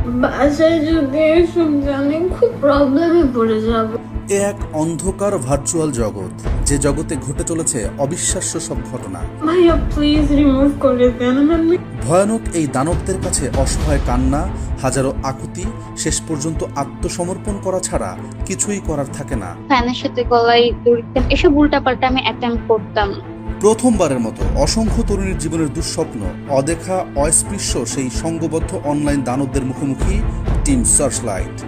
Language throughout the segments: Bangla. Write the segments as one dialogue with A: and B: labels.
A: বাসায় যদি এসব জানি খুব প্রবলেমে পড়ে যাব।
B: এ এক অন্ধকার ভার্চুয়াল জগৎ, যে জগতে ঘটে চলেছে অবিশ্বাস্য সব ঘটনা।
A: ভাইয়া প্লিজ রিমুভ করে দেন।
B: ভয়ানক এই দানবদের কাছে অসহায় কান্না, হাজারো আকুতি, শেষ পর্যন্ত আত্মসমর্পণ করা ছাড়া কিছুই করার থাকে না।
C: ফ্যানের সাথে গলায় দড়ি দিতাম, এসব উল্টাপাল্টা আমি অ্যাটেম্প করতাম।
B: প্রথমবারের মতো অসংখ্য তরুণীর জীবনের দুঃস্বপ্ন, অদেখা অস্পৃশ্য সেই সংঘবদ্ধ অনলাইন দানবদের মুখোমুখি টিম সার্চলাইট।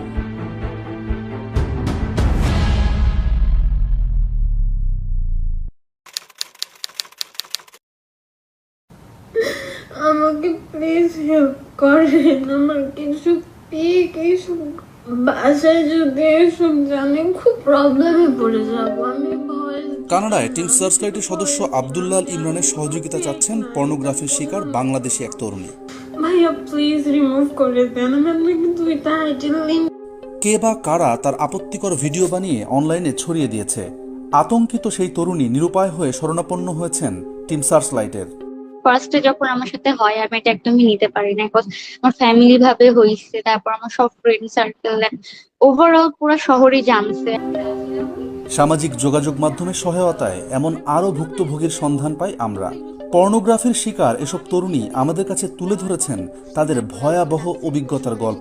A: আমাকে প্লিজ হেল্প করেন। আমার কিছু এইসব বাসায় যদি এসব জানি খুব প্রবলেমে পড়ে যাব। আমি ভয়।
B: কানাডায় টিম সার্চলাইটের সদস্য আব্দুল্লাহ ইমরানের সহযোগিতা চাচ্ছেন পর্নোগ্রাফির শিকার বাংলাদেশি এক তরুণী।
A: ভাইয়া প্লিজ রিমুভ করে দেন। আমি আপনাকে দুইটা আইডির লিঙ্ক।
B: কে বা কারা তার আপত্তিকর ভিডিও বানিয়ে অনলাইনে ছড়িয়ে দিয়েছে? আতঙ্কিত সেই তরুণী নিরুপায় হয়ে শরণাপন্ন হয়েছেন টিম সার্চলাইটের।
C: ফার্স্টে যখন আমার সাথে হয় আমি এটা একদমই নিতে পারি না, বিকজ আমার ফ্যামিলি ভাবে হয়েছে, তারপর আমার সব ফ্রেন্ড সার্কেল, ওভারঅল পুরো শহরই জানছে।
B: সামাজিক যোগাযোগ মাধ্যমের সহায়তায় এমন আরও ভুক্তভোগীর সন্ধান পাই আমরা। পর্নোগ্রাফির শিকার এসব তরুণী আমাদের কাছে তুলে ধরেছেন তাদের ভয়াবহ অভিজ্ঞতার গল্প।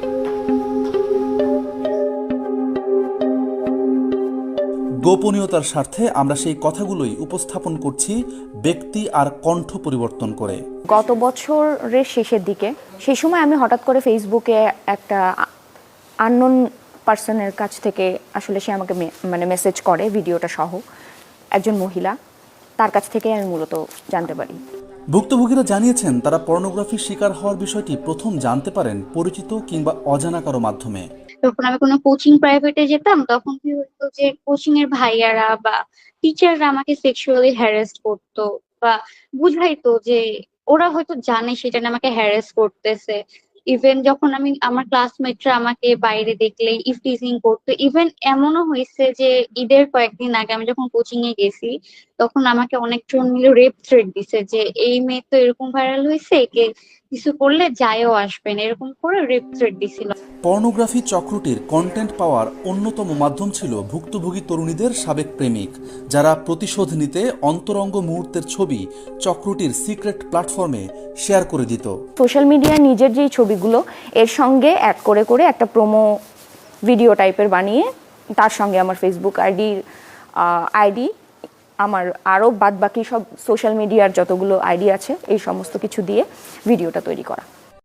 B: গোপনীয়তার স্বার্থে আমরা সেই কথাগুলোই উপস্থাপন করছি ব্যক্তি আর কণ্ঠ পরিবর্তন করে।
D: গত বছরের শেষের দিকে সেই সময় আমি হঠাৎ করে ফেসবুকে একটা আননোন পার্সনের কাছ থেকে আসলে সে আমাকে মেসেজ করে ভিডিওটা সহ, একজন মহিলা, তার কাছ থেকে আমি মূলত জানতে পারি।
B: ভুক্তভোগীরা জানিয়েছেন তারা পর্নোগ্রাফির শিকার হওয়ার বিষয়টি প্রথম জানতে পারেন পরিচিত কিংবা অজানা কারো মাধ্যমে।
C: যখন আমি কোনো কোচিং প্রাইভেটে যেতাম তখন কি হতো যে কোচিং এর ভাইয়ারা বা টিচাররা আমাকে সেক্সুয়ালি হ্যারাস করতো বা বুঝাইতো যে ওরা হয়তো জানে সেটা নিয়ে আমাকে হ্যারাস করতেছে। ইভেন যখন আমি আমার ক্লাসমেটরা আমাকে বাইরে দেখলে ইফটিজিং করতো। ইভেন এমনও হয়েছে যে ঈদের কয়েকদিন আগে আমি যখন কোচিং এ গেছি তখন আমাকে অনেকজন মিলে রেপ থ্রেট দিছে যে এই মেয়ে তো এরকম ভাইরাল হয়েছে, একে কিছু করলে যায়ও আসবেন, এরকম করে রেপ থ্রেট দিছিল।
B: পর্নোগ্রাফি চক্রটির কন্টেন্ট পাওয়ার অন্যতম মাধ্যম ছিল ভুক্তভোগী তরুণীদের সাবেক প্রেমিক, যারা প্রতিশোধ নিতে অন্তরঙ্গ মুহূর্তের ছবি চক্রটির সিক্রেট প্ল্যাটফর্মে শেয়ার করে দিত।
D: সোশ্যাল মিডিয়া নিজের যেই ছবিগুলো এর সঙ্গে অ্যাড করে করে একটা প্রোমো ভিডিও টাইপের বানিয়ে তার সঙ্গে আমার ফেসবুক আইডি আমার আরও বাদ বাকি সব সোশ্যাল মিডিয়ার যতগুলো আইডি আছে এই সমস্ত কিছু দিয়ে ভিডিওটা তৈরি করা।